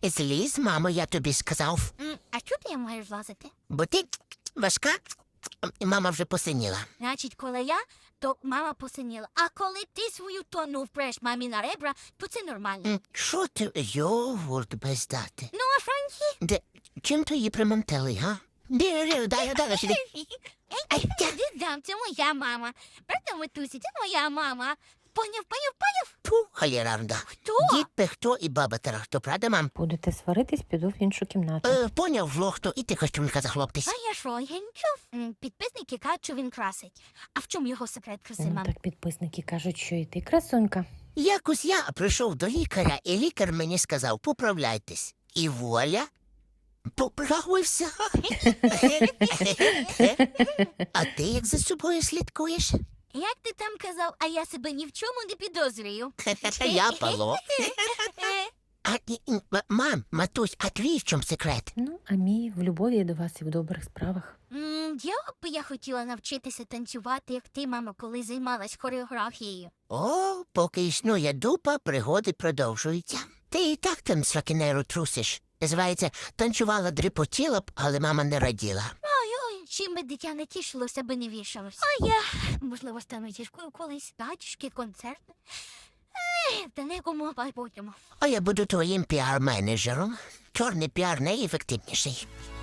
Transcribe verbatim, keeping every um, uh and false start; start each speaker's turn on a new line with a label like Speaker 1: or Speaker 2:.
Speaker 1: Зліз, мамо, я тобі сказав.
Speaker 2: М, А чого ти я маю злазити?
Speaker 1: Бо ти важка, мама вже посиніла.
Speaker 2: Значить, коли я, то мама посиніла. А коли ти свою тонну впреш мамі на ребра, то це нормально.
Speaker 1: М, Що ти йогурт без дати?
Speaker 2: Ну, а Франкі?
Speaker 1: Де, чим то її примонтили, га? Дай, дай, дай, дай, сюди. Ай, тя.
Speaker 2: Дідам, це моя мама. Правда, Матусі, це моя мама. Поняв, поняв, поняв?
Speaker 1: Фу, халєранда.
Speaker 2: Хто?
Speaker 1: Дід Пехто і баба Тарахто, правда, мам?
Speaker 3: Будете сваритись, піду в іншу кімнату.
Speaker 1: Е, поняв, лохто, і ти костюмка захлоптись.
Speaker 2: А я що, я не чув? М, Підписники кажуть, що він красить. А в чому його секрет краси,
Speaker 3: Ну,
Speaker 2: мам?
Speaker 3: так підписники кажуть, що і ти красунька.
Speaker 1: Якось я прийшов до лікаря, і лікар мені сказав, поправляйтесь. І воля, поправився. А ти як за собою слідкуєш?
Speaker 2: Як ти там казав, а я себе ні в чому не підозрюю.
Speaker 1: Я Павло. А, і- і, м- мам, матусь, а твій в чому секрет?
Speaker 3: Ну, а мій в любові до вас і в добрих справах.
Speaker 2: М, Я б я хотіла навчитися танцювати, як ти, мама, коли займалась хореографією.
Speaker 1: О, поки існує дупа, пригоди продовжуються. Ти і так там сракінеру трусиш. Називається, танцювала, дріпотіла б, але мама не раділа.
Speaker 2: Ой-ой, чим би дитя не тішилося, би не вішалось. А я, можливо, стану зіркою колись, батюшки, концерти. Ех, та не кому майбутньому.
Speaker 1: А я буду твоїм піар-менеджером. Чорний піар найефективніший.